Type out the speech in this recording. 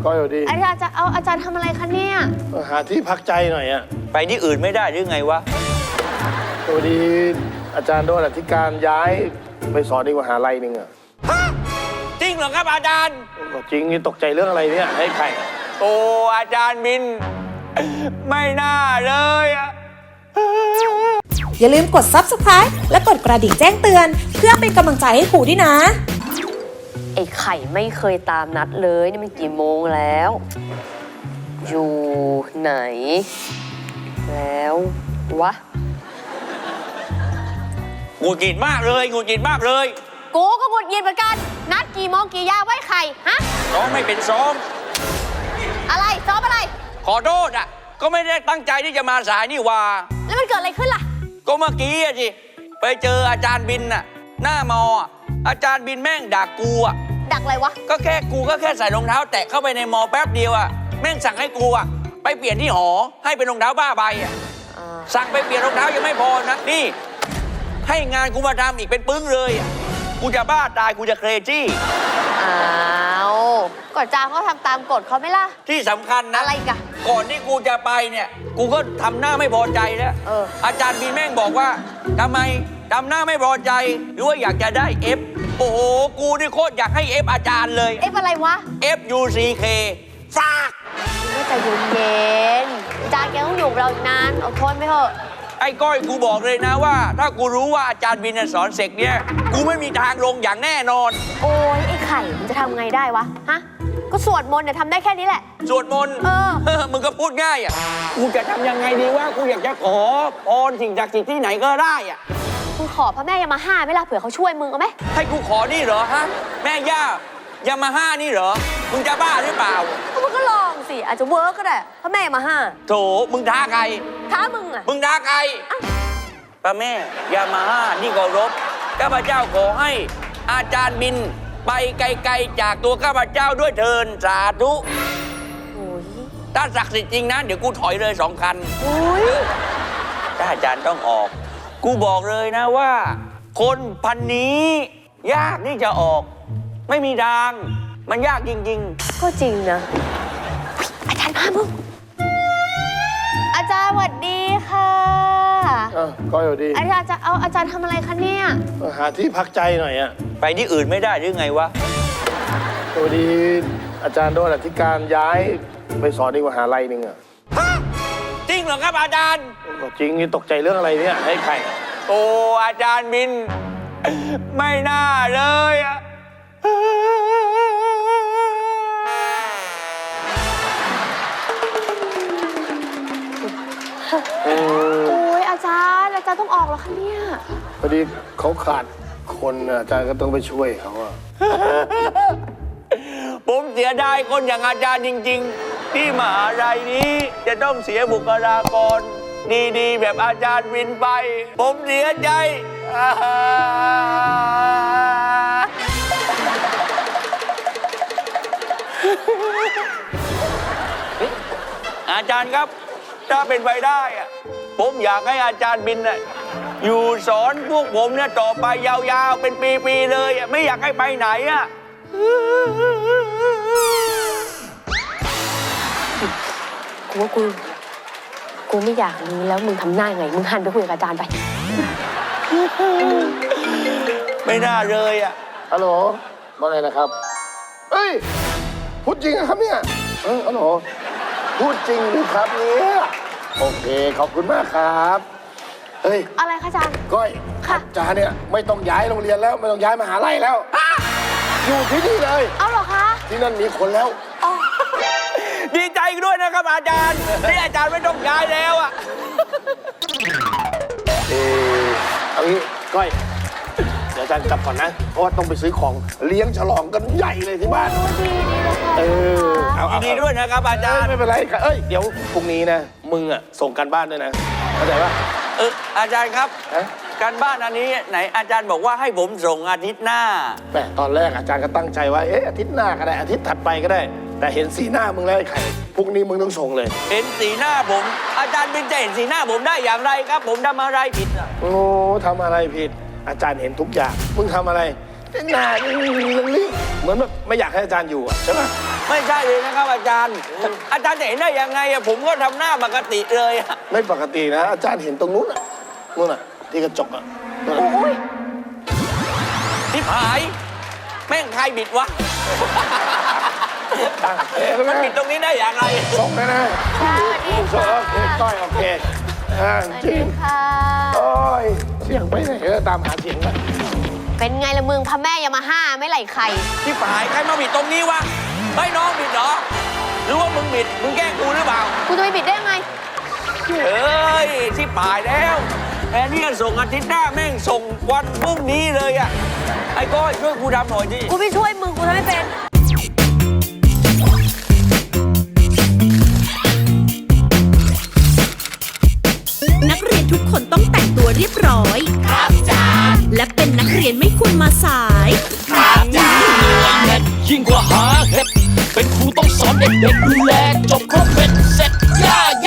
ก็อยู่ดีอาจารย์จะเอาอาจารย์ทำอะไรคะเนี่ยหาที่พักใจหน่อยอะไปที่อื่นไม่ได้หรือไงวะพอดีอาจารย์โดนอธิการย้ายไปสอนอีกมหาลัยหนึ่งอะจริงเหรอครับอาจารย์ก็จริงนี่ตกใจเรื่องอะไรเนี่ยให้ใครโอ้อาจารย์บินไม่น่าเลยอะอย่าลืมกด Subscribe และกดกระดิ่งแจ้งเตือนเพื่อเป็นกำลังใจให้ครูด้วยนะไอ้ไข่ไม่เคยตามนัดเลยนี่มันกี่โมงแล้วอยู่ไหนแล้ววะหงุดหงิดมากเลยหงุดหงิดมากเลยกูก็หงุดหงิดเหมือนกันนัดกี่โมงกี่ยามไว้ไข่ฮะซ้อมไม่เป็นซ้อมอะไรซ้อมอะไรขอโทษอ่ะก็ไม่ได้ตั้งใจที่จะมาสายนี่ว่าแล้วมันเกิดอะไรขึ้นล่ะก็เมื่อกี้อะสิไปเจออาจารย์บินน่ะหน้ามออาจารย์บินแม่งด่ากูอ่ะดักอะไรวะก็แค่ใส่รองเท้าแตะเข้าไปในมอแป๊บเดียวอ่ะแม่งสั่งให้กูอ่ะไปเปลี่ยนที่หอให้เป็นรองเท้าบ้าใบอ่ะสั่งไปเปลี่ยนรองเท้ายังไม่พอนะนี่ให้งานกูมาทำอีกเป็นปึ้งเลยอ่ะกูจะบ้าตายกูจะเครจี้อ้าวกฎจางเขาทำตามกฎเขาไหมล่ะที่สำคัญนะอะไรกันก่อนที่กูจะไปเนี่ยกูก็ทำหน้าไม่พอใจแล้วอาจารย์บินแม่งบอกว่าทำไมทำหน้าไม่พอใจหรือว่าอยากจะได้ F โอ้โหกูนี่โคตรอยากให้ F อาจารย์เลย F อะไรวะ FUCK ฟากก็ใจเย็นๆอาจารย์แกต้องอยู่กับเราอีกนานอดทนไปเถอะไอ้ก้อยกูบอกเลยนะว่าถ้ากูรู้ว่าอาจารย์บินสอนเสกเนี่ยกูไม่มีทางลงอย่างแน่นอนโอ้ยไอ้ไข่มันจะทำไงได้วะฮะก็สวดมนต์เนี่ยทำได้แค่นี้แหละสวดมนต์มึงก็พูดง่ายอ่ะกูจะทำยังไงดีว่ากูอยากจะขอพรสิ่งศักดิ์สิทธิ์ที่ไหนก็ได้อ่ะมึงขอพระแม่ยามาฮ่าไหมล่ะเผื่อเขาช่วยมึงเอาไหมให้กูขอนี่เหรอฮะแม่ย่ายามาฮ่านี่เหรอมึงจะบ้าหรือเปล่ามึงก็ลองสิอาจจะเวิร์กก็ได้พระแม่ยามาฮ่าโถมึงท้าใครท้ามึงอ่ะมึงท้าใครพระแม่ยามาฮ่านี่เคารพข้าพเจ้าขอให้อาจารย์บินไปไกลๆจากตัวข้าพเจ้าด้วยเทินสาธุถ้าศักดิ์สิทธิ์จริงนะเดี๋ยวกูถอยเลย2 คันถ้าอาจารย์ต้องออกกูบอกเลยนะว่าคนพันนี้ยากที่จะออกไม่มีทางมันยากจริงๆก็จริงนะอาจารย์พามึงอาจารย์สวัสดีค่ะก็อยู่ดีอาจารย์จะเอาอาจารย์ทำอะไรคะเนี่ยหาที่พักใจหน่อยอะไปที่อื่นไม่ได้หรือไงวะพอดีอาจารย์โดนอธิการย้ายไปสอนอีกมหาลัยหนึ่งอะจริงเหรอครับอาจารย์ก็จริงนี่ตกใจเรื่องอะไรเนี่ยให้ใครโอ้อาจารย์บินไม่น่าเลยอะโอ้ยอาจารย์ต้องออกแล้วคะเนี่ยพอดีเขาขาดคนอาจารย์ก็ต้องไปช่วยเขาอะผมเสียดายคนอย่างอาจารย์จริงๆที่มหาลัยนี้จะต้องเสียบุคลากรดีๆแบบอาจารย์บินไปผมเสียใจอาจารย์ครับถ้าเป็นไปได้อะผมอยากให้อาจารย์บินอยู่สอนพวกผมเนี่ยต่อไปยาวๆเป็นปีๆเลยไม่อยากให้ไปไหนอ่ะกูไม่อยากรู้แล้วมึงทำหน้าไงมึงหันไปคุยกับอาจารย์ไปไม่น่าเลยอ่ะฮัลโหลว่าไงนะครับเฮ้ยพูดจริงครับเนี่ยฮัลโหลพูดจริงหรือครับเนี่ยโอเคขอบคุณมากครับเฮ้ยอะไรคะอาจารย์ก้อยอาจารย์เนี่ยไม่ต้องย้ายโรงเรียนแล้วไม่ต้องย้ายมหาลัยแล้วอยู่ที่นี่เลยเอาเหรอคะที่นั่นมีคนแล้วดีใจด้วยนะครับอาจารย์ที่อาจารย์ไม่ต้องย้ายแล้วอ่ะเอางี้ก้อยเดี๋ยวอาจารย์กลับก่อนนะเพราะว่าต้องไปซื้อของเลี้ยงฉลองกันใหญ่เลยที่บ้านดีด้วยนะครับอาจารย์ไม่เป็นไรครับเดี๋ยวพรุ่งนี้นะมึงส่งการบ้านด้วยนะเข้าใจปะอาจารย์ครับการบ้านอันนี้ไหนอาจารย์บอกว่าให้ผมส่งอาทิตย์หน้าแต่ตอนแรกอาจารย์ก็ตั้งใจว่าอาทิตย์หน้าก็ได้อาทิตย์ถัดไปก็ได้แต่เห็นสีหน้ามึงแล้วไอ้ไข่พรุ่งนี้มึงต้องส่งเลยเห็นสีหน้าผมอาจารย์เป็นจะเห็นสีหน้าผมได้อย่างไรครับผมทำอะไรผิดโอ้ทำอะไรผิดอาจารย์เห็นทุกอย่างมึงทำอะไรหน้ารีบเหมือนแบบไม่อยากให้อาจารย์อยู่ใช่ไหมไม่ใช่เลยนะครับอาจารย์ อาจารย์จะเห็นได้ยังไงอะผมก็ทำหน้าปกติเลยอะไม่ปกตินะ อาจารย์เห็นตรงนู้นน่ะนู่นน่ะที่กระจกอ่ะนู่นน่ะโอ้ยทิพหาย แม่งใครบิดวะ มันบิดตรงนี้ได้อย่างไรส่งนะนะสวัสดีส่งค่ะโอเคก้อยโอเคสวัสจริดีงค่ะโอ้ยเสียงไปไหนตามหาเสียงไปเป็นไงละมึงพระแม่ยามาฮ่าไม่ไหลไข่ทิพหายใครมาบิดตรงนี้วะไม่น้องบิดเหรอ หรือว่ามึงบิด มึงแกล้งกูหรือเปล่ากูจะไปบิดได้ยังไงเฮ้ยทิพหายแล้วแทนที่จะส่งอาทิตย์หน้าแม่งส่งวันพรุ่งนี้เลยอะไอ้ก้อยช่วยกูทำหน่อยดิกูไม่ช่วยมึงกูทำไม่เป็นนักเรียนทุกคนต้องแต่งตัวเรียบร้อย ครับจ้าและเป็นนักเรียนไม่ควรมาสายยิ่งกว่าหาเห็ดเป็นครูต้องสอนเด็กๆดูแลจบ